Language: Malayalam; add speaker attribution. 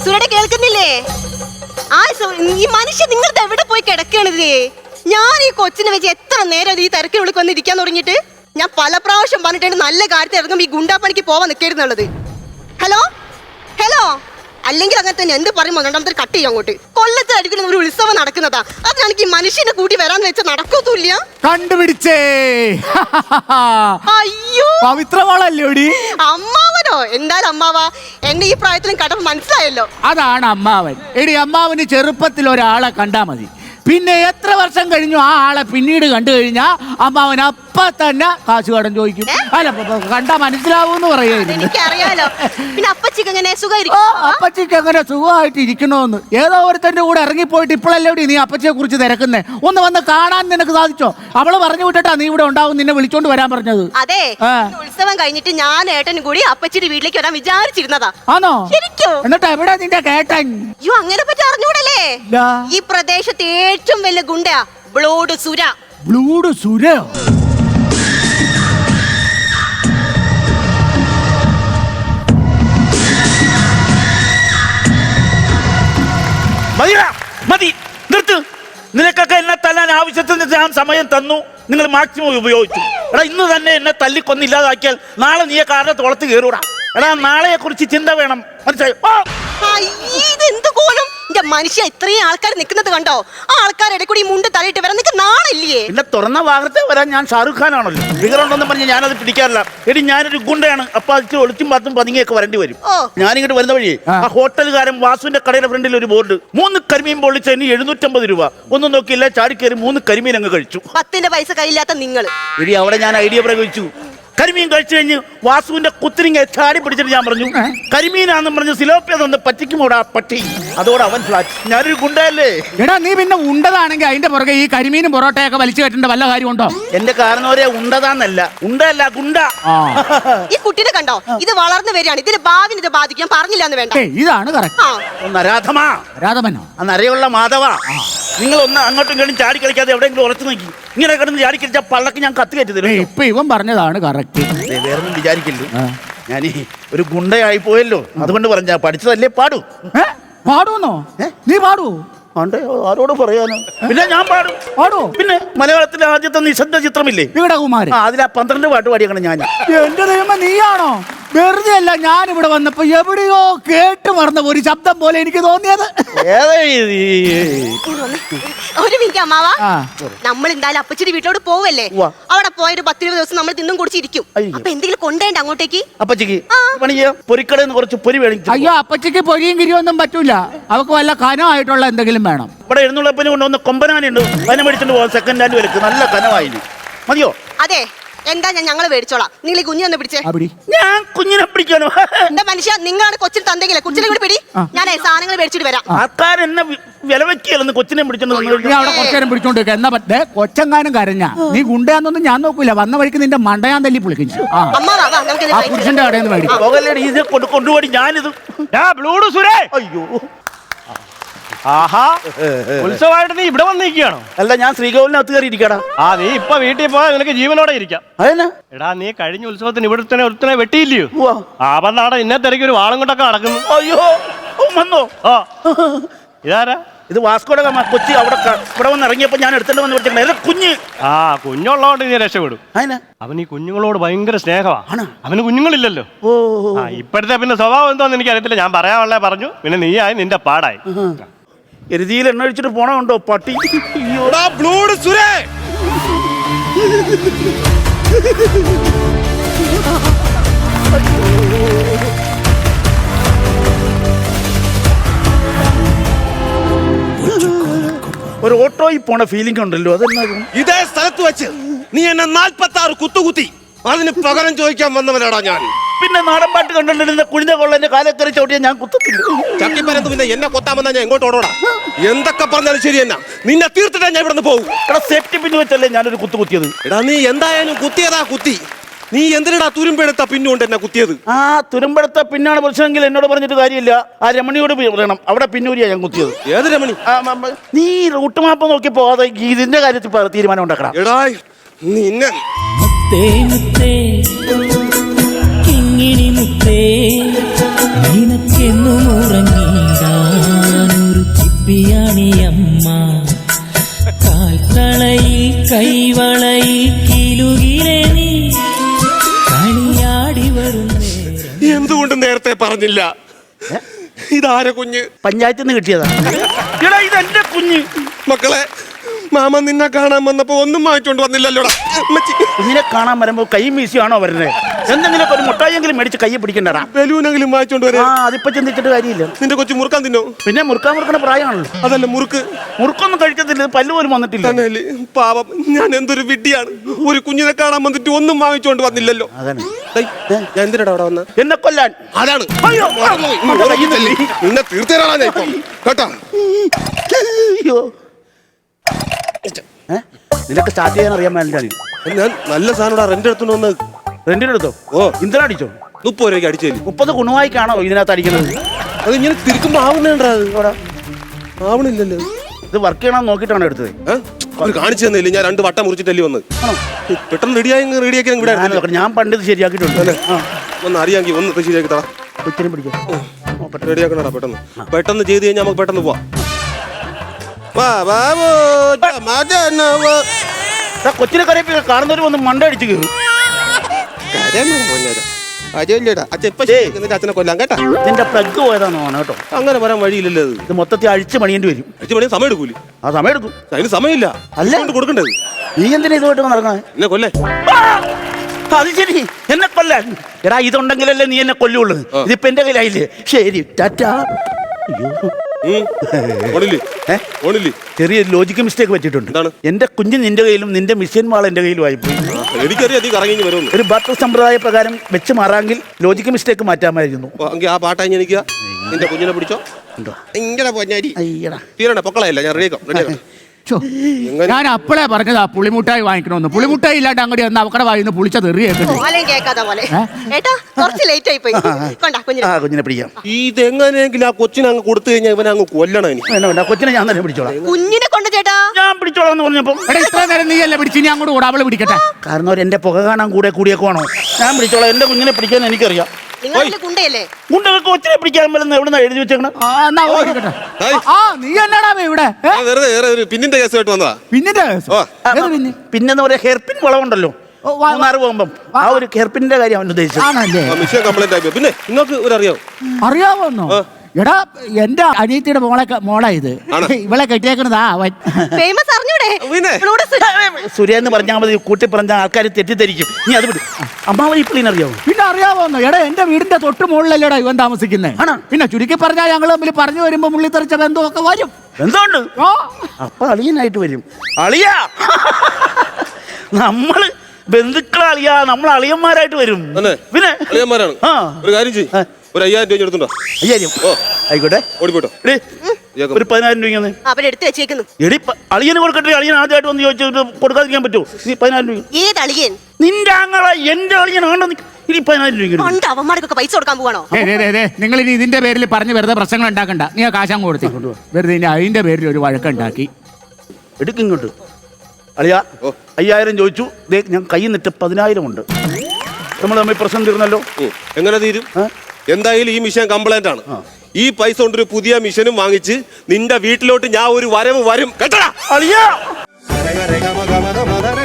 Speaker 1: സുരടെ കേൾക്കുന്നില്ലേ? ഈ മനുഷ്യൻ നിങ്ങളുടെ എവിടെ പോയി കിടക്കണത്? ഞാൻ ഈ കൊച്ചിനെ വെച്ച് എത്ര നേരം ഈ തിരക്കിനുള്ളിൽ വന്ന് ഇരിക്കാൻ തുടങ്ങിയിട്ട്? ഞാൻ പല പ്രാവശ്യം പറഞ്ഞിട്ടുണ്ട് നല്ല കാര്യത്തിൽ ഇറങ്ങുമ്പോൾ ഈ ഗുണ്ടാപ്പണിക്ക് പോവാൻ നിൽക്കരുന്നുള്ളത്. ഹലോ ഹലോ, അല്ലെങ്കിൽ അങ്ങനെ തന്നെ എന്ത് പറയുമ്പോൾ രണ്ടാമത്തെ കട്ട് ചെയ്യും അങ്ങോട്ട്. കൊല്ലത്തിലടിക്കുന്ന ഒരു ഉത്സവം നടക്കുന്നതാ, അതിനാണെങ്കിൽ ഈ മനുഷ്യനെ കൂട്ടി വരാന്ന് വെച്ചാൽ നടക്കത്തുമില്ല.
Speaker 2: കണ്ടുപിടിച്ചേ.
Speaker 1: അയ്യോ
Speaker 2: പവിത്രമോളല്ലോടി.
Speaker 1: അമ്മാവനോ? എന്തായാലും അമ്മാവാ, എന്റെ ഈ പ്രായത്തിലും കടം മനസ്സിലായല്ലോ.
Speaker 2: അതാണ് അമ്മാവൻ. എടി, അമ്മാവന് ചെറുപ്പത്തിൽ ഒരാളെ കണ്ടാ മതി, പിന്നെ എത്ര വർഷം കഴിഞ്ഞു ആ ആളെ പിന്നീട് കണ്ടു കഴിഞ്ഞാ അമ്മാവൻ അപ്പ തന്നെ കാശ് കടം ചോദിക്കും. അല്ല, കണ്ടാ മനസ്സിലാവൂന്ന് പറയുന്നത്
Speaker 1: എനിക്കറിയാലോ. പിന്നെ അപ്പച്ചിക്ക് എങ്ങനെ സുഖമായിരിക്കും?
Speaker 2: അപ്പച്ചിക്ക് എങ്ങനെ സുഖമായിട്ട് ഇരിക്കണോന്ന് ഏതോ ഒരുത്തന്റെ കൂടെ ഇറങ്ങിപ്പോയിട്ട് ഇപ്പോഴല്ലേ നീ അപ്പച്ചിയെ കുറിച്ച് തിരക്കുന്നേ? ഒന്ന് വന്ന് കാണാൻ നിനക്ക് സാധിച്ചോ? അവള് പറഞ്ഞു വിട്ടിട്ടാ നീ ഇവിടെ ഉണ്ടാവും, നിന്നെ വിളിച്ചോണ്ട് വരാൻ പറഞ്ഞത്.
Speaker 1: അതെ, ഉത്സവം കഴിഞ്ഞിട്ട് ഞാൻ ഏട്ടനും കൂടി അപ്പച്ചിയുടെ വീട്ടിലേക്ക് വരാൻ വിചാരിച്ചിരുന്നതാ.
Speaker 2: ആണോ?
Speaker 1: ശരിക്കും?
Speaker 2: എന്നിട്ട് എവിടെ നിന്റെ കേട്ടൻ?
Speaker 1: അയ്യോ, അങ്ങനെ പറ്റി അറിഞ്ഞൂടല്ലേ? ഈ പ്രദേശത്തെ ഏറ്റവും വലിയ ഗുണ്ടയാ ബ്ലൂഡ് സുര.
Speaker 2: ബ്ലൂഡ് സുരയോ?
Speaker 3: മതി, നിർത്ത്. നിനക്കൊക്കെ എന്നെ തല്ലാൻ ആവശ്യത്തിന് ഞാൻ സമയം തന്നു, നിങ്ങൾ മാക്സിമം ഉപയോഗിച്ചു. എടാ, ഇന്ന് തന്നെ എന്നെ തല്ലിക്കൊന്നില്ലാതാക്കിയാൽ നാളെ നീ കാറിന്റെ തോളത്ത് കയറൂടാ. എടാ, നാളെയെ കുറിച്ച് ചിന്ത വേണം, മനസ്സിലായോ?
Speaker 1: ഇതെന്ത് കോലം? എന്റെ മനുഷ്യ, ഇത്രയും ആൾക്കാർ നിൽക്കുന്നത് കണ്ടോ? ആ ആൾക്കാരുടെ കൂടി മുണ്ട് തലയിട്ട് വരാൻ നിനക്ക് നാണില്ലേ?
Speaker 3: പിന്നെ തുറന്ന ഭാഗത്തെ വരാൻ ഞാൻ ഷാറുഖ് ഖാൻ ആണല്ലോ. ഫിഗറുണ്ടെന്ന് പറഞ്ഞ് ഞാനത് പിടിക്കാറില്ല. എടി, ഞാനൊരു ഗുണ്ടയാണ്. അപ്പൊ അത് ഒളിച്ചും പാത്തും പതുങ്ങിയൊക്കെ വരേണ്ടി വരും. ഞാനിങ്ങോട്ട് വരുന്ന വഴി ആ ഹോട്ടലുകാരൻ വാസുവിന്റെ കടയുടെ ഫ്രണ്ടിൽ ഒരു ബോർഡ്, 3 കരിമീൻ പൊള്ളിച്ചതിന് 750 രൂപ. ഒന്നും നോക്കിയില്ല, ചാടിക്കയറി 3 കരിമീൻ അങ്ങ് കഴിച്ചു.
Speaker 1: 10 പൈസ കയ്യില്ലാത്ത നിങ്ങൾ.
Speaker 3: എടി, അവിടെ ഞാൻ ഐഡിയ പ്രയോഗിച്ചു. കരിമീൻ കഴിച്ചു കഴിഞ്ഞ് വാസുവിന്റെ കുത്തിരിങ്ങ ചാടി പിടിച്ചിട്ട് ഞാൻ പറഞ്ഞു, കരിമീനാന്ന് പറഞ്ഞ് സിലോപ്പിയ തന്നെ പറ്റിക്കുമോടാ പട്ടി. അതോടെ അവൻ ഫ്ലാറ്റ്. ഞാനൊരു ഗുണ്ടയല്ലേ?
Speaker 2: എടാ, നീ പിന്നെ ഉണ്ടതാണെങ്കിൽ അതിന്റെ പുറകെ ഈ കരിമീനും പൊറോട്ടയൊക്കെ വലിച്ചു കെട്ടേണ്ട വല്ല കാര്യമുണ്ടോ?
Speaker 3: എന്റെ കാരണവരെ ഉണ്ടതാന്നല്ല, ഉണ്ടല്ല ഗുണ്ട.
Speaker 1: ഈ കുട്ടിനെ കണ്ടോ? ഇത് വളർന്നു വരികയാണ്, ഇതിന്റെ ഭാവിനെ ഇത് ബാധിക്കാൻ പറഞ്ഞില്ല എന്ന് വേണ്ട.
Speaker 2: ഇതാണ്
Speaker 3: നരാധമാ.
Speaker 2: രാധമനോ?
Speaker 3: നരയുള്ള മാധവ. നിങ്ങൾ ഒന്ന് അങ്ങോട്ടും ഇങ്ങോട്ടും ചാടി കളിക്കാതെ എവിടെയെങ്കിലും ഉറച്ചു നോക്കി. ഇങ്ങനെ കിടന്ന് ചാടി കളിച്ചാൽ പള്ളക്ക് ഞാൻ കത്തി കയറ്റി തരും.
Speaker 2: ഇപ്പൊ ഇവൻ പറഞ്ഞതാണ് കറക്റ്റ്.
Speaker 3: വേറൊന്നും വിചാരിക്കില്ല, ഞാൻ ഒരു ഗുണ്ടയായി പോയല്ലോ, അതുകൊണ്ട് പറഞ്ഞാ പഠിച്ചതല്ലേ പാടൂ.
Speaker 2: പാടൂന്നോ? നീ പാടൂ?
Speaker 3: ആരോട് പറയാനോ? പിന്നെ ഞാൻ പാടും. പിന്നെ മലയാളത്തിലെ ആദ്യത്തെ നിശബ്ദ ചിത്രമില്ലേ
Speaker 2: വികടകുമാരൻ,
Speaker 3: അതിലാ 12 പാട്ട് പാടിയാണ് ഞാൻ.
Speaker 2: എന്റെ ദൈവമേ, നീയാണോ? വെറുതെ അല്ല, ഞാൻ ഇവിടെ വന്നപ്പോ എവിടെയോ കേട്ട് മറന്ന ഒരു ശബ്ദം പോലെ എനിക്ക് തോന്നിയത്.
Speaker 1: ഒരു മിനിറ്റ് അമ്മാവാ, നമ്മൾ എന്തായാലും അപ്പച്ചിന്റെ വീട്ടിലോട്ട് പോവല്ലേ? അവിടെ പോയൊരു 10-20 ദിവസം നമ്മൾ തിന്നും കുടിച്ചിരിക്കും. അപ്പൊ എന്തെങ്കിലും കൊണ്ടേണ്ട അങ്ങോട്ടേക്ക്?
Speaker 3: അപ്പച്ചിക്ക് പൊരിക്കടന്ന് കുറച്ച് പൊരി വേണം.
Speaker 2: അയ്യോ, അപ്പച്ചിക്ക് പൊരിയും കിരിയൊന്നും പറ്റൂല. അവക്ക് വല്ല കനമായിട്ടുള്ള എന്തെങ്കിലും വേണം.
Speaker 3: ഇവിടെ എഴുന്നള്ളപ്പിന് കൊണ്ടുവന്ന കൊമ്പനാനുണ്ട്, അതിനെ മേടിച്ചിട്ട് പോകാൻ. സെക്കൻഡ് ഹാൻഡ് വിലക്ക് നല്ല കനവായി മതിയോ?
Speaker 1: അതെ, എന്താ ഞങ്ങൾ മേടിച്ചോളാം. നിങ്ങൾ ഈ കുഞ്ഞിനെ പിടിച്ചേ.
Speaker 3: ഞാൻ കുഞ്ഞിനെ പിടിക്കാനോ?
Speaker 1: എന്താ മനുഷ്യ, നിങ്ങളാണ് കൊച്ചിന് തന്നെങ്കിലേ കൊച്ചിനെ കൂടി പിടി. ഞാൻ സാധനങ്ങൾ മേടിച്ചിട്ട് വരാം.
Speaker 3: ആൾക്കാരെന്നെ വില വെക്കിയല്ലെന്ന് കൊച്ചിനെ പിടിച്ചോണ്ട്
Speaker 2: അവിടെ കുറച്ചേരം പിടിച്ചോണ്ടിരിക്കുക. എന്നാ പറ്റേ കൊച്ചങ്ങാനും കരഞ്ഞ നീ ഗുണ്ടയാന്നൊന്നും ഞാൻ നോക്കൂല. വന്ന വഴിക്ക് നിന്റെ മണ്ടയാൻ തല്ലി പുളിക്കിച്ചു. ആ പുരുഷന്റെ കടയിൽ നിന്ന് മേടിക്കും.
Speaker 3: കൊണ്ടുപോയി ഞാനിത്. അയ്യോ,
Speaker 4: ആഹാ, ഉത്സവമായിട്ട് നീ ഇവിടെ വന്നിരിക്കുകയാണോ?
Speaker 3: അല്ല, ഞാൻ ശ്രീകോവിലിനകത്ത് കയറി ഇരിക്കടാ.
Speaker 4: നീ ഇപ്പൊ വീട്ടിൽ പോയാൽ നിനക്ക് ജീവനോടെ ഇരിക്കാം.
Speaker 3: അതെന്നാ?
Speaker 4: എടാ, നീ കഴിഞ്ഞ ഉത്സവത്തിന് ഒരുത്തനെ വെട്ടിയില്ലയോ? വന്നാടെ ഇന്നെ തിരക്കി ഒരു വാളും കൊണ്ടൊക്കെ നടക്കുന്നു.
Speaker 3: അയ്യോ, വന്നോ?
Speaker 4: ഇതാരാ?
Speaker 3: ഇത് വാസ്കോഡ ഗാമ കൊച്ചി. ഇവിടെ വന്ന് ഇറങ്ങിയപ്പോ ഞാൻ എടുത്തിട്ട് വന്ന് വിളിച്ചേ കുഞ്ഞ്.
Speaker 4: കുഞ്ഞുള്ളതുകൊണ്ട് നീ രക്ഷപ്പെടും. അവൻ ഈ കുഞ്ഞുങ്ങളോട് ഭയങ്കര സ്നേഹമാണ്. അവന് കുഞ്ഞുങ്ങളില്ലല്ലോ. ഇപ്പോഴത്തെ പിന്നെ സ്വഭാവം എന്തോന്ന് എനിക്ക് അറിയത്തില്ല. ഞാൻ പറയാനുള്ളേ പറഞ്ഞു, പിന്നെ നീയായി നിന്റെ പാടായി.
Speaker 3: എരുതിയിൽ എണ്ണ ഒഴിച്ചിട്ട് പോണുണ്ടോ പട്ടി? ഒരു ഓട്ടോയിൽ പോണ ഫീലിംഗ് ഉണ്ടല്ലോ, അതെന്നാ?
Speaker 5: ഇതേ സ്ഥലത്ത് വെച്ച് നീ എന്നെ 46 കുത്തുകുത്തി, അതിന് പകരം ചോദിക്കാൻ വന്നവനാടാ ഞാൻ.
Speaker 3: പിന്നെ നാടൻ പാട്ട് കണ്ടിട്ട് കുഴിഞ്ഞ കൊള്ളന്റെ കാലക്കറി ചവിട്ടിയാ ഞാൻ കുത്തത്തില്ല.
Speaker 5: ചട്ടിപ്പരത്ത് പിന്നെ എന്നെ കൊത്താമെന്നാ ഞാൻ എങ്ങോട്ട് ഓടോടാ? എന്തൊക്കെ പറഞ്ഞാലും ശരി എന്നാ, നിന്നെ തീർത്തിട്ടാ ഞാൻ ഇവിടെ നിന്ന് പോകും.
Speaker 3: എടാ, സേഫ്റ്റി പിന്ന് വെച്ചല്ലേ ഞാനൊരു കുത്തിയത്.
Speaker 5: എടാ, നീ എന്തായാലും കുത്തിയതാ കുത്തി. നീ എന്തിനാ തുരുമ്പെടുത്ത പിന്നുകൊണ്ട് എന്നെ കുത്തിയത്?
Speaker 3: തുരുമ്പെടുത്ത പിന്നാണ് പ്രശ്നമെങ്കിൽ എന്നോട് പറഞ്ഞിട്ട് കാര്യമില്ല. ആ രമണിയോട് പറയണം, അവിടെ പിന്നൂരിയാ ഞാൻ കുത്തിയത്.
Speaker 5: ഏത് രമണി?
Speaker 3: നീ റൂട്ട് മാപ്പ് നോക്കി പോകാതെ ഇതിന്റെ കാര്യത്തിൽ തീരുമാനം ഉണ്ടാക്കണം.
Speaker 5: എടാ, നിന്നെ
Speaker 6: കിങ്ങിണി മുത്തേ നിനക്കെന്നും ഉറങ്ങിയിടാം. ശില്പിയാണിയമ്മ കാൽത്തളയിൽ കൈവളയിൽ കിലുകിലെ നീ കളിയാടി വരുന്നേ.
Speaker 5: എന്തുകൊണ്ട് നേരത്തെ പറഞ്ഞില്ല? ഇതാര കുഞ്ഞ്?
Speaker 3: പഞ്ചായത്തിൽ നിന്ന് കിട്ടിയതാ. എടാ ഇത് എന്റെ കുഞ്ഞ്.
Speaker 5: മക്കളെ, മാമ നിന്നെ കാണാൻ വന്നപ്പോ ഒന്നും വാങ്ങിച്ചോണ്ട് വന്നില്ലല്ലോടാ.
Speaker 3: കുഞ്ഞിനെ കാണാൻ വരുമ്പോ കൈ വീശിയാണോ വരുന്നത്? എന്തെങ്കിലും ഒരു മുട്ടായെങ്കിലും മേടിച്ച് കൈ പിടിക്കണ്ടടാ.
Speaker 5: ബലൂനെങ്കിലും വാങ്ങിച്ചോണ്ട് വരാ.
Speaker 3: അതിപ്പോ ചിന്തിച്ചിട്ട് കാര്യമില്ല.
Speaker 5: നിന്റെ കൊച്ചു മുറുക്കാൻ തിന്നോ?
Speaker 3: പിന്നെ മുറുക്കണ പ്രായമാണല്ലോ.
Speaker 5: അതല്ല മുറുക്ക്.
Speaker 3: മുറുക്കൊന്നും കഴിക്കത്തില്ല, പല്ല് പോലും വന്നിട്ടില്ല.
Speaker 5: തന്നെയല്ലേ? പാവം, ഞാൻ എന്തൊരു വിഡ്ഢിയാണ്. ഒരു കുഞ്ഞിനെ കാണാൻ വന്നിട്ട് ഒന്നും വാങ്ങിച്ചോണ്ട് വന്നില്ലല്ലോ.
Speaker 3: അതാണ്
Speaker 5: ഡേയ്, ഞാൻ എന്തിനാ അവിടെ വന്ന?
Speaker 3: എന്നെ കൊല്ലാൻ.
Speaker 5: അതാണ്.
Speaker 3: അയ്യോ,
Speaker 5: നിന്നെ തീർത്തേരാളാ ഞാൻ ഇപ്പം. കേട്ടാ?
Speaker 3: അയ്യോ, നിനക്ക് സ്റ്റാർട്ട് ചെയ്യാൻ അറിയാൻ വേണ്ടിയാണ്.
Speaker 5: ഞാൻ നല്ല സാധനം റെന്റ് എടുത്തോണ്ട് വന്ന്.
Speaker 3: റെന്റിനെടുത്തോ?
Speaker 5: ഓ,
Speaker 3: ഇന്ധനം അടിച്ചോ?
Speaker 5: 30 രൂപയ്ക്ക് അടിച്ചേലി.
Speaker 3: 30 കുണുവായിക്കാണോ ഇതിനകത്ത് അടിക്കുന്നത്?
Speaker 5: അത് ഇങ്ങനെ തിരിക്കുമ്പോ ആവുന്നുണ്ടാ? ആവണില്ലല്ലോ.
Speaker 3: ഇത് വർക്ക് ചെയ്യണമെന്ന് നോക്കിയിട്ടാണ് എടുത്തത്.
Speaker 5: അവർ കാണിച്ചു തന്നില്ല. ഞാൻ 2 വട്ടം മുറിച്ചിട്ടല്ലേ വന്ന്. പെട്ടെന്ന് റെഡിയാക്കി ഇവിടെ
Speaker 3: ഞാൻ പണ്ട് ഇത് ശരിയാക്കിയിട്ടുണ്ട്.
Speaker 5: ഒന്ന് അറിയാമെങ്കിൽ ഒന്ന് ശരിയാക്കി തടാ.
Speaker 3: കൊച്ചിനെ പിടിക്കാം.
Speaker 5: റെഡിയാക്കണടാ പെട്ടെന്ന്. പെട്ടെന്ന് ചെയ്ത് കഴിഞ്ഞാൽ നമുക്ക് പെട്ടെന്ന് പോവാം.
Speaker 3: കൊച്ചിനെ കരയിപ്പിക്ക. കാണുന്നവര് വന്ന് മണ്ട അടിച്ചു കയറും.
Speaker 5: അച്ഛനെ കൊല്ലാം കേട്ടാ.
Speaker 3: ഇതിന്റെ പ്ലഗ് പോയതാണോ കേട്ടോ?
Speaker 5: അങ്ങനെ വരാൻ വഴിയില്ലല്ലോ.
Speaker 3: ഇത് മൊത്തത്തിൽ അഴിച്ച് പണിയേണ്ടി വരും.
Speaker 5: അച്ഛൻ പണി സമയം എടുക്കൂലി.
Speaker 3: ആ സമയം എടുക്കും.
Speaker 5: അതിന് സമയമില്ല. അല്ലാണ്ട് കൊടുക്കണ്ടത്.
Speaker 3: നീ എന്തിനാ ഇതുമായിട്ട് നടക്കണേ?
Speaker 5: എന്നെ കൊല്ലേ.
Speaker 3: അത് ശരി, എന്നെ കൊല്ലാൻ. എടാ ഇതുണ്ടെങ്കിലല്ലേ നീ എന്നെ കൊല്ലുള്ളൂ. ഇതിപ്പോ എന്റെ കയ്യിലായില്ലേ? ശരി, ടാറ്റാ. ചെറിയ ലോജിക്ക് മിസ്റ്റേക്ക് പറ്റിയിട്ടുണ്ട്. എന്റെ കുഞ്ഞ് നിന്റെ കയ്യിലും നിന്റെ മിഷ്യൻ വാൾ എന്റെ കയ്യിലും ആയിപ്പോയി.
Speaker 5: എനിക്കറിയാം നീ കറങ്ങി വരുന്നു.
Speaker 3: ഒരു ബാറ്റർ സമ്പ്രദായ പ്രകാരം വെച്ച് മാറാമെങ്കിൽ ലോജിക്ക് മിസ്റ്റേക്ക് മാറ്റാമായിരുന്നു.
Speaker 5: ആ പാട്ടായി എനിക്ക് നിന്റെ കുഞ്ഞിനെ പിടിച്ചോ. ഇങ്ങനെ പൊന്നാരി തീരണ പൊക്കളയല്ല. ഞാൻ റെഡിയാക്കാം.
Speaker 2: ഞാൻ അപ്പളേ പറഞ്ഞതാ പുളിമുട്ടായി വാങ്ങിക്കണമെന്ന്. പുളിമുട്ടായി ഇല്ലാണ്ട് അങ്ങോട്ട് വന്ന് അവക്കടെ വായിന്ന് പുളിച്ച തെറിയേക്കുന്നു.
Speaker 3: കുഞ്ഞിനെ പിടിക്കാം.
Speaker 5: ഇതെങ്ങനെയെങ്കിലും ആ കൊച്ചിനെ അങ്ങ് കൊടുത്തു കഴിഞ്ഞാൽ ഇവനെ അങ്ങ് കൊല്ലണം. എനിക്ക്
Speaker 3: വേണ്ട, കൊച്ചിനെ ഞാൻ തന്നെ പിടിച്ചോളാം.
Speaker 1: കുഞ്ഞിനെ കൊണ്ട് ചേട്ടാ
Speaker 3: ഞാൻ പിടിച്ചോളാം എന്ന് പറഞ്ഞപ്പോ
Speaker 2: ഇത്ര നേരം നീ അല്ലേ പിടിച്ച്, ഇനി അങ്ങോട്ട് കൂടെ അവള് പിടിക്കട്ടെ.
Speaker 3: കാരണം അവർ എന്റെ പുക കാണാൻ കൂടിയൊക്കെ വേണോ? ഞാൻ പിടിച്ചോളാം. എന്റെ കുഞ്ഞിനെ പിടിക്കാൻ എനിക്കറിയാം.
Speaker 1: ഗുണ്ടയല്ലേ?
Speaker 3: ഗുണ്ടകൾ കൊച്ചിനെ പിടിക്കാൻ പറ്റുന്ന എവിടെ എഴുതി വെച്ചേക്കണം?
Speaker 2: നീ എന്നാടാ ഇവിടെ
Speaker 5: പിന്നിന്റെ കേസുമായിട്ട് വന്നതാ.
Speaker 3: പിന്നെന്ന് പറയാ ഹെയർപിൻ വളവുണ്ടല്ലോ മൂന്നാറ് പോകുമ്പം, ആ ഒരു ഹെയർപിന്റെ കാര്യം അവൻ ഉദ്ദേശിച്ചത്.
Speaker 5: പിന്നെ നിങ്ങൾക്ക് ഒരു
Speaker 2: അറിയാവോന്നോ? എടാ എന്റെ അനിയത്തിയുടെ മോളാ ഇത്. ഇവളെ കെട്ടിയേക്കണതാ അവൻ.
Speaker 1: ഫേമസ് അറിഞ്ഞൂടെ?
Speaker 3: സുരേ എന്ന് പറഞ്ഞാൽ മതി, കൂട്ടി പറഞ്ഞ ആൾക്കാർ തെറ്റിദ്ധരിക്കും. നീ അത് വിടും. അമ്മാവൻ ഈ പുള്ളിനെ അറിയാവോ?
Speaker 2: പിന്നെ അറിയാവോന്നോ? എടാ എന്റെ വീടിന്റെ തൊട്ട് മുകളിലല്ലേടാ ഇവൻ താമസിക്കുന്നത്. പിന്നെ ചുരുക്കി പറഞ്ഞാൽ ഞങ്ങൾ തമ്മിൽ പറഞ്ഞു വരുമ്പോ മുള്ളി തെറിച്ച ബന്ധമൊക്കെ വരും.
Speaker 3: എന്തുകൊണ്ട്? അപ്പൊ അളിയനായിട്ട് വരും. അളിയാ, നമ്മള് ബന്ധുക്കളെ അളിയാ, നമ്മൾ അളിയന്മാരായിട്ട് വരും.
Speaker 5: പിന്നെ അളിയന്മാരാണ്. ഒരു കാര്യം ചെയ്യും, ഒരു 5000 രൂപ എടുത്തുണ്ടോ?
Speaker 3: 5000 ആയിക്കോട്ടെ.
Speaker 5: ഓടിപ്പോട്ടോ.
Speaker 3: ഒരു 10000 രൂപ
Speaker 1: അവരെടുത്ത് വെച്ചേക്കുന്നു.
Speaker 3: എടി അളിയന് കൊടുക്കട്ടെ. അളിയൻ ആദ്യമായിട്ട് വന്ന് ചോദിച്ചിട്ട് കൊടുക്കാതിരിക്കാൻ പറ്റുമോ? നീ 10000 രൂപ.
Speaker 1: ഏത് അളിയൻ?
Speaker 3: നിന്റെ ആങ്ങള എന്റെ അളിയനാണോ? ഇനി 10000 രൂപ
Speaker 1: അവന്മാർക്കൊക്കെ പൈസ കൊടുക്കാൻ പോവാണോ?
Speaker 2: നിങ്ങൾ ഇനി ഇതിന്റെ പേരിൽ പറഞ്ഞ് വെറുതെ പ്രശ്നങ്ങൾ ഉണ്ടാക്കണ്ട. നീ ആ കാശം കൊടുത്തിട്ടുണ്ട്. വെറുതെ ഇനി അതിന്റെ പേരിൽ ഒരു വഴക്കുണ്ടാക്കി
Speaker 3: എടുക്കിങ്ങോട്ട്. അളിയാ 5000 ചോദിച്ചു. ഞാൻ കയ്യിൽ നിന്നിട്ട് 10000 ഉണ്ട്. നമ്മൾ തമ്മിൽ പ്രശ്നം തീർന്നല്ലോ.
Speaker 5: എങ്ങനെ തീരും? എന്തായാലും ഈ മിഷൻ കംപ്ലൈന്റ് ആണ്. ഈ പൈസ കൊണ്ടൊരു പുതിയ മിഷനും വാങ്ങിച്ച് നിന്റെ വീട്ടിലോട്ട് ഞാൻ ഒരു വരവ് വരും കേട്ടോടാ.
Speaker 3: അളിയാ